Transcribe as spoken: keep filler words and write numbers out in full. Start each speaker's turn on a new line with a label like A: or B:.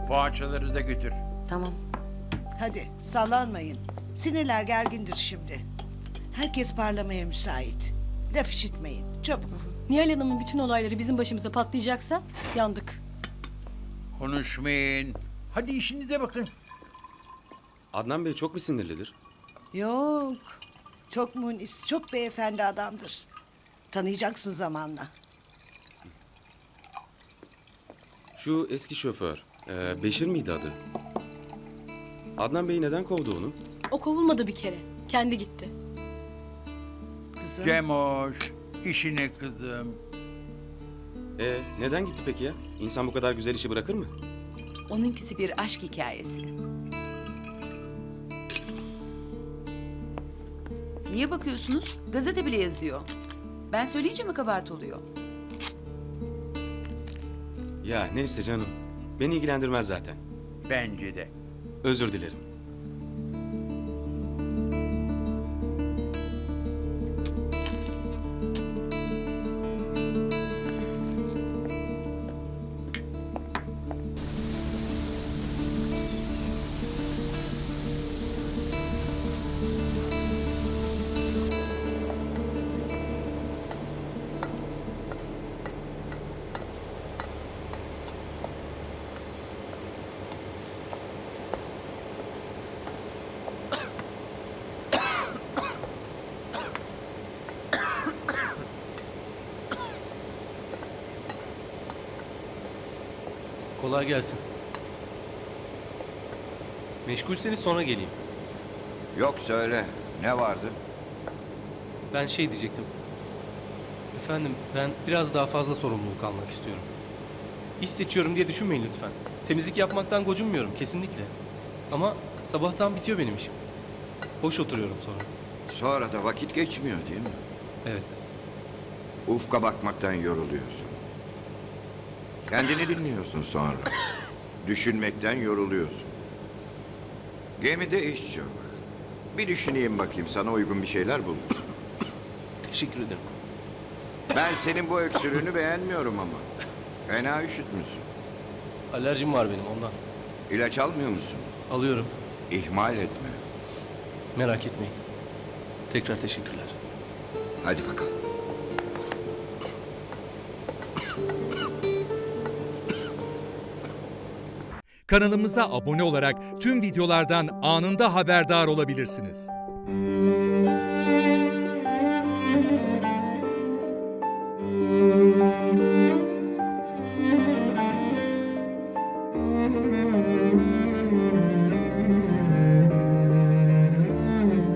A: Poğaçaları da götür.
B: Tamam.
C: Hadi sallanmayın. Sinirler gergindir şimdi. Herkes parlamaya müsait. Laf işitmeyin. Çabuk.
D: Nihal Hanım'ın bütün olayları bizim başımıza patlayacaksa yandık.
A: Konuşmayın. Hadi işinize bakın.
E: Adnan Bey çok mu sinirlidir?
C: Yok. Çok munis, çok beyefendi adamdır. Tanıyacaksın zamanla.
E: Şu eski şoför, e, Beşir miydi adı? Adnan Bey neden kovdu onu?
D: O kovulmadı bir kere. Kendi gitti.
C: Kızım.
A: Cemoş, işine kızım.
E: E, neden gitti peki ya? İnsan bu kadar güzel işi bırakır mı?
B: Onunkisi bir aşk hikayesi. Niye bakıyorsunuz? Gazete bile yazıyor. Ben söyleyince mi kabahat oluyor?
E: Ya neyse canım. Beni ilgilendirmez zaten.
A: Bence de.
E: Özür dilerim.
F: Kolay gelsin. Meşgulseniz sonra geleyim.
G: Yok söyle. Ne vardı?
F: Ben şey diyecektim. Efendim ben biraz daha fazla sorumluluk almak istiyorum. İş seçiyorum diye düşünmeyin lütfen. Temizlik yapmaktan gocunmuyorum kesinlikle. Ama sabahtan bitiyor benim işim. Boş oturuyorum sonra.
G: Sonra da vakit geçmiyor değil mi?
F: Evet.
G: Ufka bakmaktan yoruluyorsun. Kendini dinliyorsun sonra. Düşünmekten yoruluyorsun. Gemide iş çok. Bir düşüneyim bakayım sana uygun bir şeyler bul.
F: Teşekkür ederim.
G: Ben senin bu öksürüğünü beğenmiyorum ama. Fena üşütmüşsün.
F: Alerjim var benim ondan.
G: İlaç almıyor musun?
F: Alıyorum.
G: İhmal etme.
F: Merak etmeyin. Tekrar teşekkürler.
G: Hadi bakalım.
H: Kanalımıza abone olarak tüm videolardan anında haberdar olabilirsiniz.
C: Müzik